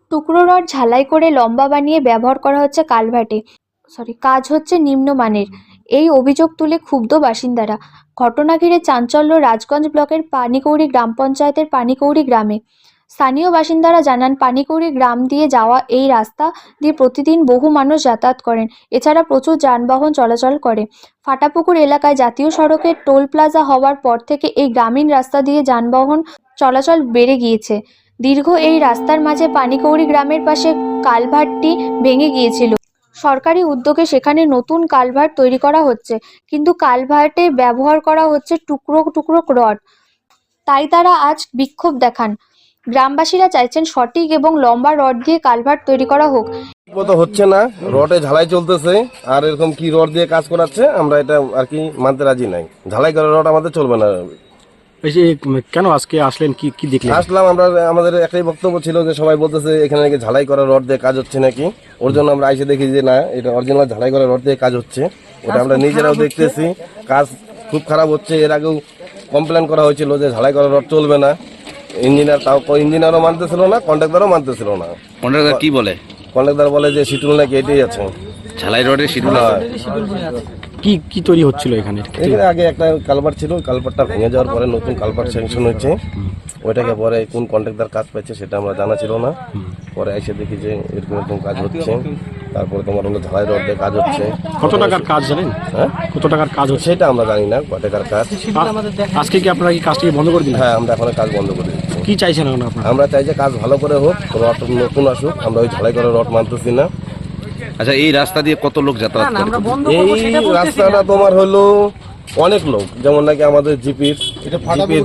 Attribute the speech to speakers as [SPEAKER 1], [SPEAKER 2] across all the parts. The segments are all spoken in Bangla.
[SPEAKER 1] টুকরো রড ঝালাই করে লম্বা বানিয়ে ব্যবহার করা হচ্ছে কালভার্টে। কাজ হচ্ছে নিম্নমানের, এই অভিযোগ তুলে ক্ষুব্ধ বাসিন্দারা। ঘটনা ঘিরে চাঞ্চল্য রাজগঞ্জ ব্লকের পানিকৌড়ি গ্রাম পঞ্চায়েতের পানিকৌড়ি গ্রামে। স্থানীয় বাসিন্দারা জানান, পানিকৌড়ি গ্রাম দিয়ে যাওয়া এই রাস্তা দিয়ে প্রতিদিন বহু মানুষ যাতায়াত করেন। এছাড়া প্রচুর যানবাহন চলাচল করে। ফাটাপুকুর এলাকায় জাতীয় সড়কের টোল প্লাজা হওয়ার পর থেকে এই গ্রামীণ রাস্তা দিয়ে যানবাহন চলাচল বেড়ে গিয়েছে। দীর্ঘ এই রাস্তার মাঝে পানিকৌড়ি গ্রামের পাশে কালভার্টটি ভেঙে গিয়েছিল। সরকারি উদ্যোগে সেখানে নতুন কালভার্ট তৈরি করা হচ্ছে, কিন্তু কালভার্টে ব্যবহার করা হচ্ছে টুকরো টুকরো রড। তাই তারা আজ বিক্ষোভ দেখান। গ্রামবাসীরা চাইছেন সঠিক এবং লম্বা রড দিয়ে কালভার্ট তৈরি করা হোক।
[SPEAKER 2] তো হচ্ছে না, রডে ঝালাই চলতেছে, আর এরকম কি রড দিয়ে কাজ করাচ্ছে আমরা এটা আর কি মানতে রাজি নাই। ঝালাই করা রড আমাদের চলবে না।
[SPEAKER 3] কেন আজকে আসলেন, কি কি দেখলেন?
[SPEAKER 2] আসলাম, আমরা আমাদের একটাই বক্তব্য ছিল যে সবাই বলতেছে এখানে নাকি ঝালাই করা রড দিয়ে কাজ হচ্ছে নাকি, ওর জন্য আমরা এসে দেখি যে না, এটা অরিজিনাল ঝালাই করা রড দিয়ে কাজ হচ্ছে। ওটা আমরা নিজেরাও দেখতেছি, কাজ খুব খারাপ হচ্ছে। এর আগেও কমপ্লেন করা হয়েছিল যে ঝালাই করা রড চলবে না। ইঞ্জিনিয়ারও মানতেছিল না, কন্ট্রাক্টরও মানতেছিল না।
[SPEAKER 4] কন্ট্রাক্টর কি বলে?
[SPEAKER 2] কন্ট্রাক্টর বলে যে শিডিউল নাকি এটাই আছে,
[SPEAKER 4] ঝালাই রডের শিডিউল।
[SPEAKER 3] কি কি তৈরি হচ্ছিল এখানে?
[SPEAKER 2] এখানে আগে একটা কালভার্ট ছিল, কালভার্টটা ভেঙে যাওয়ার পরে নতুন কালভার্ট স্যাংশন হয়েছে। ওইটাকে পরে কোন কন্ট্রাক্টর কাজ পাইছে সেটা আমরা জানা ছিল না। পরে এসে দেখি যে এরকম এরকম কাজ হচ্ছে। তারপরে তোমার হলো ঝালাই রড দিয়ে কাজ হচ্ছে।
[SPEAKER 3] কত টাকার কাজ জানেন?
[SPEAKER 2] হ্যাঁ,
[SPEAKER 3] কত টাকার কাজ হচ্ছে
[SPEAKER 2] সেটা আমরা জানি না, কত টাকার কাজ।
[SPEAKER 3] আজকে কি আপনারা কি কাজটি বন্ধ করে দিলেন?
[SPEAKER 2] হ্যাঁ, আমরা এখন কাজ বন্ধ করে দিচ্ছি।
[SPEAKER 3] কি চাইছেন এখন আপনারা?
[SPEAKER 2] আমরা চাই যে কাজ ভালো করে হোক, রড নতুন আসুক। আমরা ওই ঝালাই করে রড মানতেছি না।
[SPEAKER 4] আচ্ছা, এই রাস্তা দিয়ে কত লোক যাতায়াত করে?
[SPEAKER 2] এই রাস্তাটা তোমার হলো অনেক লোক, যেমন নাকি আমাদের জিপির এটা ফাটাপুকুর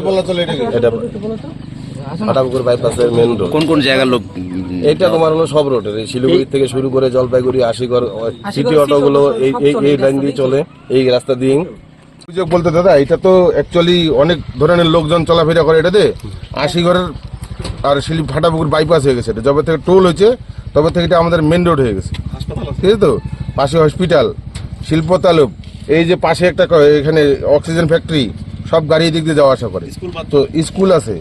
[SPEAKER 2] বাইপাসের মেন রোড।
[SPEAKER 4] কোন কোন জায়গার লোক?
[SPEAKER 2] এটা তোমার হলো সব রোডের, এই শিলিগুড়ি থেকে শুরু করে জলপাইগুড়ি, আশিগড়, সিটি অটোগুলো এই লাইন দিয়ে চলে, এই রাস্তা দিয়ে।
[SPEAKER 5] অভিযোগ বলতে দাদা, এটা তো অ্যাকচুয়ালি অনেক ধরনের লোকজন চলাফেরা করে এটাতে। আশিগড়ের আর ফাটাপুকুর বাইপাস হয়ে গেছে। এটা যবে থেকে টোল হয়েছে তবে থেকে এটা আমাদের মেন রোড হয়ে গেছে, ঠিক আছে তো। পাশে হসপিটাল, শিল্প তালুক, এই যে পাশে একটা এখানে অক্সিজেন ফ্যাক্টরি, সব গাড়ি দিক দিয়ে যাওয়া আসা করে। তো স্কুল আছে,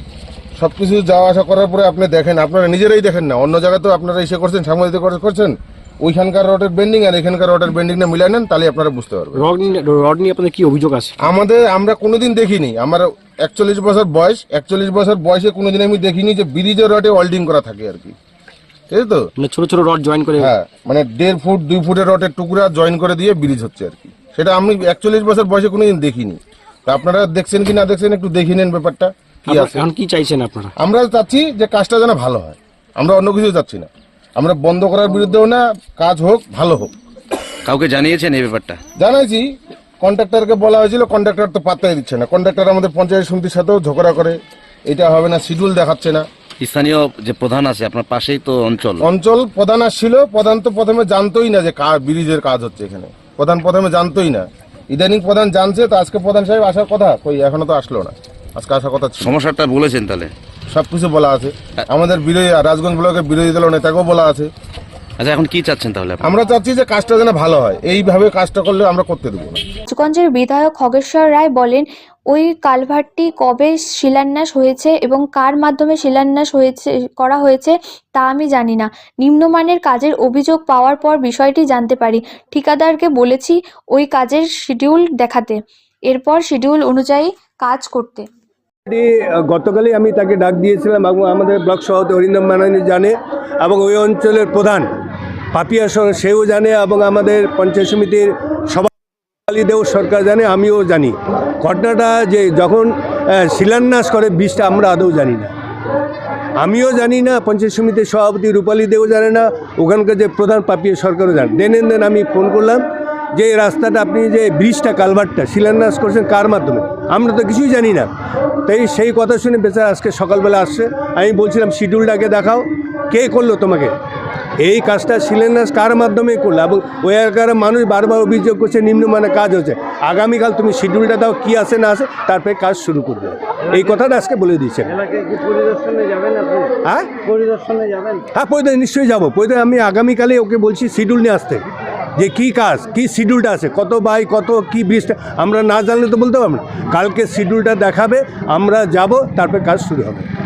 [SPEAKER 5] সব কিছু যাওয়া আসা করার পরে আপনি দেখেন, আপনারা নিজেরাই দেখেন না, অন্য জায়গায় তো আপনারা এসে করছেন, সাংবাদিক করছেন, ওইখানকার রডের বেন্ডিং আর এখানকার রডের বেন্ডিংটা মিলাই নেন, তাহলে আপনারা বুঝতে পারবেন।
[SPEAKER 3] রড নিয়ে আপনাদের কি অভিযোগ আছে?
[SPEAKER 5] আমরা কোনোদিন দেখিনি, আমার 41 বছর বয়স, 41 বছর বয়সে কোনোদিন আমি দেখিনি যে ব্রিজের রডে ওয়েল্ডিং করা থাকে আর কি, ঠিক আছে তো।
[SPEAKER 3] মানে ছোট ছোট রড জয়েন করে,
[SPEAKER 5] হ্যাঁ, মানে 1.5 ফুট 2 ফুটের রডের টুকরা জয়েন করে দিয়ে ব্রিজ হচ্ছে আর কি। সেটা আমি 41 বছর বয়সে কোনোদিন দেখিনি। তো আপনারা দেখছেন কি না দেখছেন একটু দেখে নেন ব্যাপারটা কি আছে।
[SPEAKER 3] এখন কি চাইছেন আপনারা?
[SPEAKER 5] আমরা চাচ্ছি যে কাজটা যেন ভালো হয়, আমরা অন্য কিছু চাচ্ছি না। আমরা বন্ধ করার বিরুদ্ধেও না, কাজ হোক, ভালো হোক।
[SPEAKER 4] কাউকে জানিয়েছেন এই ব্যাপারটা?
[SPEAKER 5] জানাইছি, কন্ট্রাক্টরকে বলা হয়েছিল, কন্ট্রাক্টর তো পাত্তাই দিচ্ছে না। কন্ট্রাক্টর আমাদের পঞ্চায়েত সমিতির সাথেও ঝগড়া করে, এটা হবে না, শিডিউল দেখাচ্ছে না।
[SPEAKER 4] স্থানীয় যে প্রধান আছে আপনার পাশেই তো
[SPEAKER 5] অঞ্চল প্রধান আসছিল, প্রধান তো প্রথমে জানতোই না যে ব্রিজের কাজ হচ্ছে এখানে। প্রধান প্রথমে জানতোই না, ইদানিং প্রধান জানছে। তো আজকে প্রধান সাহেব আসার কথা, কই এখনো তো আসলো না। আজকে আসার কথা ছিল।
[SPEAKER 4] সমস্যাটা বলেছেন তাহলে?
[SPEAKER 5] সবকিছু বলা আছে, আমাদের বিরোধী রাজগঞ্জ ব্লকের বিরোধী দল নেতাকেও বলা আছে।
[SPEAKER 4] আচ্ছা, এখন কি চাচ্ছেন তাহলে?
[SPEAKER 5] আমরা চাচ্ছি যে কাজটা যেন ভালো হয়, এইভাবে কাজটা করলে আমরা করতে দেবো না।
[SPEAKER 1] রাজগঞ্জের বিধায়ক খগেশ্বর রায় বলেন, ওই কালভার্টটি কবে শিলান্যাস হয়েছে এবং কার মাধ্যমে শিলান্যাস করা হয়েছে তা আমি জানি না। নিম্নমানের কাজের অভিযোগ পাওয়ার পর বিষয়টি জানতে পারি। ঠিকাদারকে বলেছি ওই কাজের শিডিউল দেখাতে, এরপর শিডিউল অনুযায়ী কাজ করতে।
[SPEAKER 6] গতকালই আমি তাকে ডাক দিয়েছিলাম এবং আমাদের ব্লক সভাপতি অরিন্দম মাননী জানে এবং ওই অঞ্চলের প্রধান পাপিয়া সেও জানে এবং আমাদের পঞ্চায়েত সমিতির সভাপতি দেও সরকার জানে, আমিও জানি। ঘটনাটা যে যখন শিলান্যাস করে বীজটা আমরা আদৌ জানি না, আমিও জানি না, পঞ্চায়েত সমিতির সভাপতি রূপালী দেও জানে না, ওখানকার যে প্রধান পাপিয়া সরকারও জানে। দেন আমি ফোন করলাম যে এই রাস্তাটা আপনি যে ব্রিজটা কালভার্টটা শিলান্যাস করছেন কার মাধ্যমে, আমরা তো কিছুই জানি না। তাই সেই কথা শুনে বেচারা আজকে সকালবেলা আসছে। আমি বলছিলাম শিডিউলটাকে দেখাও, কে করলো তোমাকে এই কাজটা, শিলান্যাস কার মাধ্যমে করলো। এবং ওই এলাকার মানুষ বারবার অভিযোগ করছে নিম্নমানের কাজ হচ্ছে। আগামীকাল তুমি শিডিউলটা দাও, কি আছে না আছে, তারপরে কাজ শুরু করবে। এই কথাটা আজকে বলে দিয়েছেন। হ্যাঁ, পরিদর্শন নিশ্চয়ই যাবো। আমি আগামীকালে ওকে বলছি শিডিউল নিয়ে আসতে, যে কী কাজ, কী শিডিউলটা আছে, কত বাই কত, কী ব্রিজটা আমরা না জানলে তো বলতে পারবো না। কালকে শিডিউলটা দেখাবে, আমরা যাব, তারপরে কাজ শুরু হবে।